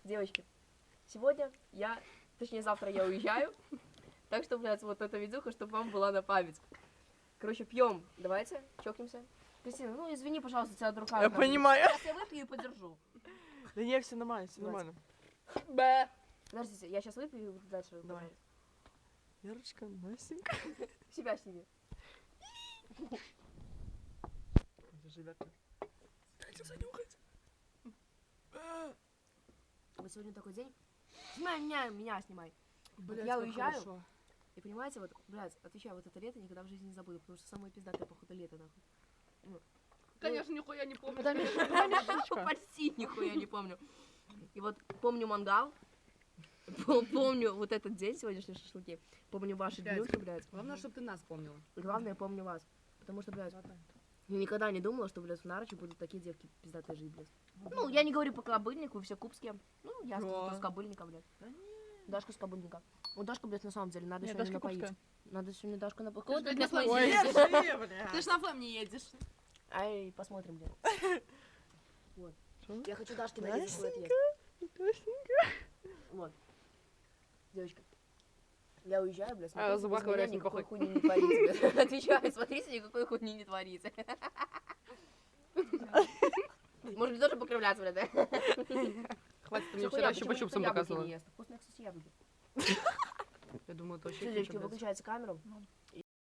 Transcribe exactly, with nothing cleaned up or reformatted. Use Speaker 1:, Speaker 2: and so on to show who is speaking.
Speaker 1: Девочки, сегодня я, точнее завтра я уезжаю, так что, блядь, вот эта видюха, чтобы вам была на память. Короче, пьем, давайте, чокнемся. Кристина, ну извини, пожалуйста, тебя рука.
Speaker 2: Я понимаю.
Speaker 1: Сейчас я выпью и подержу.
Speaker 2: Да не, все нормально, все нормально.
Speaker 1: Б. Подождите, я сейчас выпью и дальше.
Speaker 2: Давай. Ярочка, Настенька.
Speaker 1: Себя сними.
Speaker 2: Ребята. Дайте занюхать.
Speaker 1: Вот сегодня такой день. Снимай меня, меня снимай.
Speaker 2: Блядь,
Speaker 1: вот я
Speaker 2: как
Speaker 1: уезжаю.
Speaker 2: хорошо.
Speaker 1: И понимаете, вот, блядь, отвечаю, вот это лето никогда в жизни не забуду, потому что самое пиздатое, походу, лето, нахуй. Ну,
Speaker 3: Конечно, нихуя не помню.
Speaker 2: Это Мишечка.
Speaker 1: почти нихуя не помню. И вот помню мангал, пом- помню вот этот день, сегодняшние шашлыки, помню ваши
Speaker 3: Блядь.
Speaker 1: днюхи, блядь.
Speaker 3: Главное, чтобы ты нас помнила.
Speaker 1: И главное, помню вас. Потому что, блядь, я никогда не думала, что, блядь, в Нарочи будут такие девки пиздатые жить, блядь. Ну, я не говорю по кобыльнику, вы все кубские. Ну, я
Speaker 2: Да.
Speaker 1: с кобыльника, блядь. Дашка с кобыльника. Вот Дашка, блядь, на самом деле, надо
Speaker 3: Нет,
Speaker 1: сегодня
Speaker 3: Дашка
Speaker 1: напоить.
Speaker 3: кубская.
Speaker 1: Надо сегодня Дашку напоить.
Speaker 3: Ты
Speaker 1: Кого
Speaker 3: ж,
Speaker 1: ты,
Speaker 3: блядь,
Speaker 1: блядь,
Speaker 3: на
Speaker 1: мои-
Speaker 3: флэме
Speaker 2: Держи, бля.
Speaker 3: Ты ж на флэм не едешь.
Speaker 1: Ай, посмотрим, блядь. Вот.
Speaker 2: Что?
Speaker 1: Я хочу Дашке нарезать свой отъезд.
Speaker 2: Настенька.
Speaker 1: Вот. Девочка, я уезжаю, блядь,
Speaker 3: А,
Speaker 1: смотрите,
Speaker 3: зубах
Speaker 1: без меня
Speaker 3: ковырять не
Speaker 1: никакой
Speaker 3: похуй.
Speaker 1: хуйни не творится, блядь. Отвечаю, смотрите, никакой хуйни не творится. Может быть, тоже покривляться, блядь, да?
Speaker 3: Хватит, ты мне
Speaker 1: Всё,
Speaker 3: вчера
Speaker 1: хуя,
Speaker 3: еще
Speaker 1: почему
Speaker 3: по
Speaker 1: никто
Speaker 3: чупсам
Speaker 1: яблоки
Speaker 3: показывала.
Speaker 1: не ест? Вкусные, кстати, яблоки.
Speaker 3: Я думаю, это
Speaker 1: Все,
Speaker 3: вообще
Speaker 1: девочки,
Speaker 3: блядь.
Speaker 1: выключайте камеру.